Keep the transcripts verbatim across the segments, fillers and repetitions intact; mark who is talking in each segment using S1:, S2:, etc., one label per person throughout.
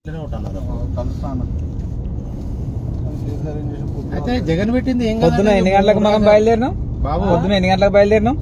S1: అయితే జగన్ పెట్టింది ఏం
S2: పొద్దున ఎన్ని గంటలకు మనం బయలుదేరినాం బాబు? పొద్దున ఎన్ని గంటలకు బయలుదేరినాం?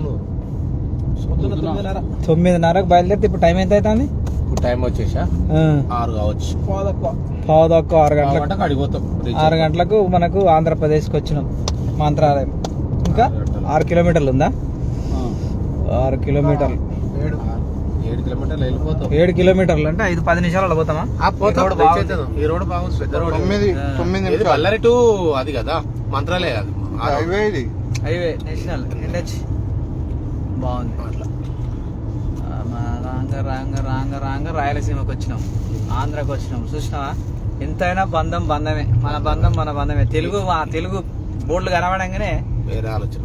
S2: తొమ్మిదిన్నరకు బయలుదేరితే ఇప్పుడు టైం ఎంత అవుతుంది?
S1: ఇప్పుడు టైం వచ్చేసా ఆరు కావచ్చు,
S2: పావు తక్కువ ఆరు గంటలకు
S1: అడిగిపోతాం.
S2: ఆరు గంటలకు మనకు ఆంధ్రప్రదేశ్కి వచ్చినాం, మంత్రాలయం. ఇంకా ఆరు కిలోమీటర్లు ఉందా? ఆరు కిలోమీటర్లు
S1: ఏడు కిలోమీటర్లు వెళ్ళిపోతాం.
S2: ఏడు కిలోమీటర్లు అంటే ఐదు పది నిమిషాలు పోతామా?
S1: ఈ రోడ్ బాగుంది, పెద్ద రోడ్. బళ్ళారి టు అది కదా మంత్రాలయం, హైవే ఇది,
S2: హైవే నేషనల్ ఎన్హెచ్ బాగుంది. అట్లా రాంగ రాంగ రాంగ రాంగ రాయలసీమకి వచ్చినాం, ఆంధ్రాకి వచ్చినాం. చూసినావా? ఎంతైనా బంధం బంధమే, మన బంధం మన బంధమే. తెలుగు మా తెలుగు బోర్డులు కనబడంగానే
S1: వేరే ఆలోచన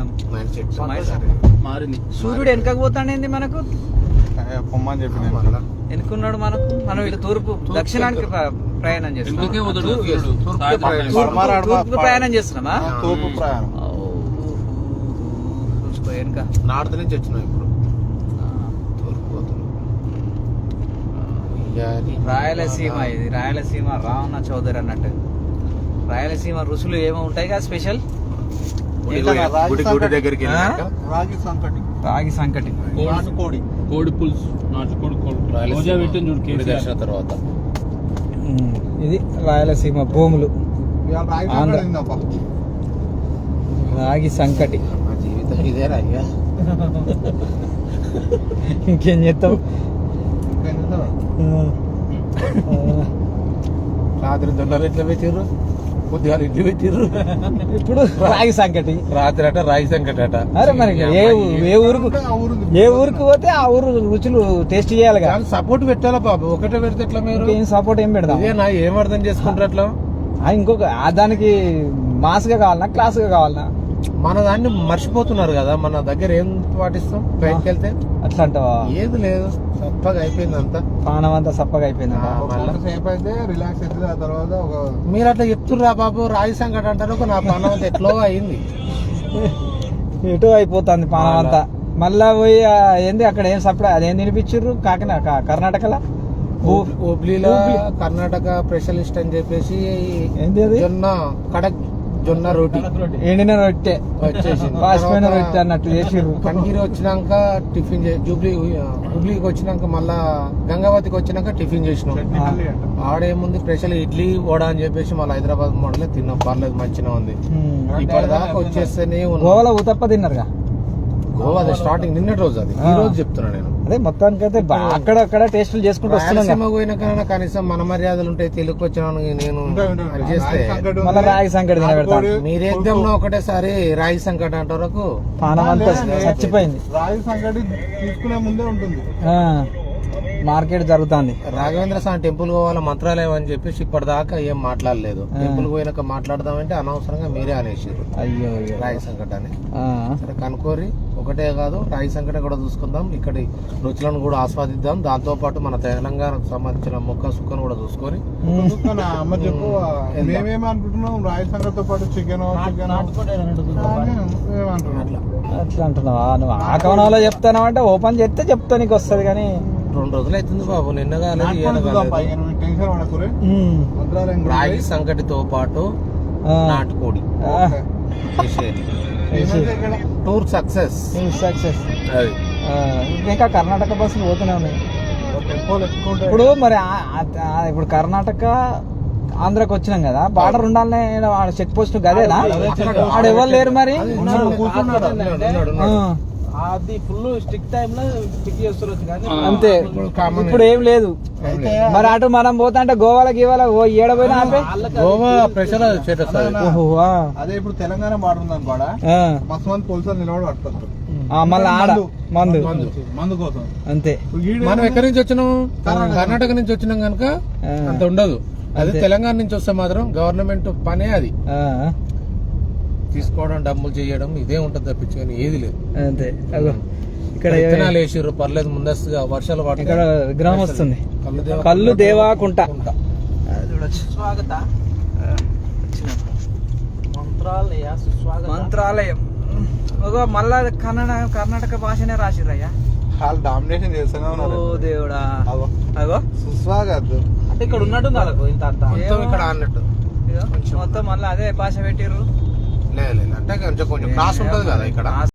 S1: మారింది.
S2: సూర్యుడు వెనకకు పోతాడేంది మనకు?
S1: పొమ్మని చెప్పి
S2: ఎన్నుకున్నాడు మనకు. మనం ఇటు తూర్పు దక్షిణానికి ప్రయాణం చేస్తున్నాం, తూర్పు ప్రయాణం చేస్తున్నామా?
S1: తూర్పు ప్రయాణం
S2: చూసుకో వెనుక.
S1: నార్త్ నుంచి వచ్చినాం ఇప్పుడు,
S2: రాయలసీమ. ఇది రాయలసీమ రావణ చౌదరి అన్నట్టు. రాయలసీమ రుసులు ఏమో ఉంటాయి కదా స్పెషల్.
S1: దగ్గరికి
S2: రాగి సంకటి, రాగి సంకటి,
S1: నాటుకోడి, కోడి పులుసు, నాటుకోడి దర్శన తర్వాత.
S2: ఇది రాయలసీమ భూములు, రాగి సంకటి.
S1: జీవితం ఇదే రాయ్యా,
S2: ఇంకేం చేస్తావు?
S1: రాత్రి దొండలు ఎట్లా పెట్టిర్రు, కొద్దిగా ఇడ్లు పెట్టిర్రు.
S2: ఇప్పుడు రాగి సంకటి,
S1: రాత్రి అట రాగి సంకటి అట.
S2: అరే మరి ఏ ఏ ఊరుకు ఏ ఊరికి పోతే ఆ ఊరు రుచులు టేస్ట్ చేయాలి కదా.
S1: సపోర్ట్ పెట్టాలా బాబు, ఒకటే పెడితే ఎట్లా? మీరు
S2: ఏం సపోర్ట్ ఏం పెడదాం?
S1: నా ఏం అర్థం చేసుకుంటారు అట్లా?
S2: ఇంకొక దానికి మాస్ గా కావాలన్నా, క్లాస్ గా కావాలన్నా?
S1: మన దాన్ని మర్చిపోతున్నారు కదా, మన దగ్గర ఏం పాటిస్తాం బయటకు వెళ్తే.
S2: అట్లా అంటావా?
S1: ఏది లేదు, సప్పగా అయిపోయింది అంతా,
S2: ప్రాణం అంతా సప్పగా అయిపోయింది.
S1: సేపు అయితే రిలాక్స్ అవుతుంది. ఆ తర్వాత మీరు అట్లా చెప్తుర్రా బాబు, రాయి సంకట అంటారు, నా ప్రాణం అంతా ఎట్లో అయింది,
S2: ఎటో అయిపోతుంది ప్రాణం అంతా. మళ్ళా పోయి ఏంది అక్కడ ఏం సప్లై అదేం తినిపించారు కాకినాడ కర్ణాటకలో,
S1: హుబ్లీలో కర్ణాటక స్పెషలిస్ట్ అని చెప్పేసి
S2: ఏంది అది,
S1: జొన్న కడక్ జొన్న రోటీ,
S2: ఎండిన రొట్టె
S1: వచ్చేసింది,
S2: పాసిపోయిన రొట్టె అన్నట్టు చేసిర్రు.
S1: కన్గిరి వచ్చినాక టిఫిన్, జూబ్లీ హుబ్లీకి వచ్చినాక మళ్ళా గంగావతికి వచ్చినాక టిఫిన్ చేసినాం. ఆడేముంది స్పెషల్ ఇడ్లీ వడ అని చెప్పేసి మళ్ళీ హైదరాబాద్ మోడల్ తిన్నాం, పర్లేదు మంచిగా ఉంది. ఇప్పటిదాకా వచ్చేస్తేనే
S2: గోవాలో ఉతప్ప తిన్నారుగా?
S1: గోవా అది స్టార్టింగ్ నిన్నటి రోజు, అది ఈ రోజు చెప్తున్నా నేను.
S2: అదే మొత్తానికి అయితే అక్కడక్కడ టేస్టులు చేసుకుంటూ వస్తున్నాం.
S1: పోయినాకైనా కనీసం మన మర్యాదలు ఉంటాయి. తెలుగు వచ్చిన నేను చేస్తే
S2: మళ్ళీ రాగి సంకటి తినబెడతాను.
S1: మీరు ఎగ్జామ్లో ఒకటేసారి రాగి సంకటి అంట వరకు
S2: పానం అంతా చచ్చిపోయింది.
S1: రాగి సంకటి తీసుకునే ముందే ఉంటుంది,
S2: మార్కెట్ జరుగుతుంది.
S1: రాఘవేంద్ర స్వామి టెంపుల్ పోవాల మంత్రాలయం అని చెప్పేసి ఇప్పటిదాకా ఏం మాట్లాడలేదు. టెంపుల్ పోయినాక మాట్లాడదామంటే అనవసరంగా మీరే అనేసారు
S2: అయ్యో
S1: రాగి సంకట అని. సరే కనుకోరి, ఒకటే కాదు రాగి సంకట కూడా చూసుకుందాం, ఇక్కడి రుచులను కూడా ఆస్వాదిద్దాం. దాంతో పాటు మన తెలంగాణకు సంబంధించిన మొక్క సుక్కను కూడా చూసుకొని
S3: అమ్మ చెప్పు, మేమేమి అనుకుంటున్నాం రాగి సంకటతో పాటు చికెన్ చికెన్
S2: అట్లా అంటున్నావా? నువ్వు ఆ కోణంలో చెప్తాను అంటే ఓపెన్ చేస్తే చెప్తా నీకు వస్తుంది. కానీ
S1: రెండు రోజులు అవుతుంది బాబు, నిన్న కాలేదు. రాగి సంకటితో పాటు నాటుకోడి టూర్ సక్సెస్
S2: సక్సెస్. ఇంకా కర్ణాటక బస్సులు పోతూనే ఉన్నాయి. ఇప్పుడు మరి ఇప్పుడు కర్ణాటక ఆంధ్రాకి వచ్చినాం కదా, బార్డర్ ఉండాలనే చెక్ పోస్ట్ గదేనా? ఆడ ఎవరు లేరు మరి,
S3: అది ఫుల్ స్టిక్ టైమ్ లో పిక్ చేస్తారు
S2: అంతే. ఇప్పుడు ఏం లేదు మరి. అటు మనం పోతా అంటే గోవాల గీవాల ఏడపోయినా ఆపే
S1: గోవా ప్రెషర్.
S3: అదే ఇప్పుడు తెలంగాణ బార్డర్ ఉంది అనుకోడా, మస్తు మంది పోలీసులు నిలబడి పట్టుకోవచ్చు
S2: మళ్ళీ ఆడ మందు
S3: మందు కోసం
S2: అంతే.
S1: మనం ఎక్కడి నుంచి వచ్చినాం? కర్ణాటక నుంచి వచ్చినాం కనుక అంత ఉండదు. అదే తెలంగాణ నుంచి వస్తే మాత్రం గవర్నమెంట్ పనే అది, తీసుకోవడం డబ్బులు చేయడం ఇదే ఉంటుంది తప్పించుకొని ఏది లేదు.
S2: అంతే. ఇక్కడ
S1: విత్తనాలు వేసిర్రు, పర్లేదు ముందస్తుగా వర్షాలు పడి.
S2: ఇక్కడ విగ్రహం వస్తుంది, కల్లు దేవాకుంట. స్వాగత మంత్రాలయ, మంత్రాలయం. మళ్ళా కన్నడ కర్ణాటక భాషనే రాసిర్రయ్యా.
S3: వాళ్ళు డామినేషన్ చేస్తూనే
S2: ఓ
S3: ఉన్నారు
S2: దేవుడా
S3: అగో
S2: అగో
S3: సుస్వాగత్
S2: అంటే ఇక్కడ ఉన్నట్టు కాదు ఇంత అంత
S1: మొత్తం ఇక్కడ అన్నట్టు
S2: మొత్తం మళ్ళీ అదే భాష పెట్టిర్రు
S1: లేదు లేదు అంటే కొంచెం కొంచెం క్రాస్ ఉంటది కదా ఇక్కడ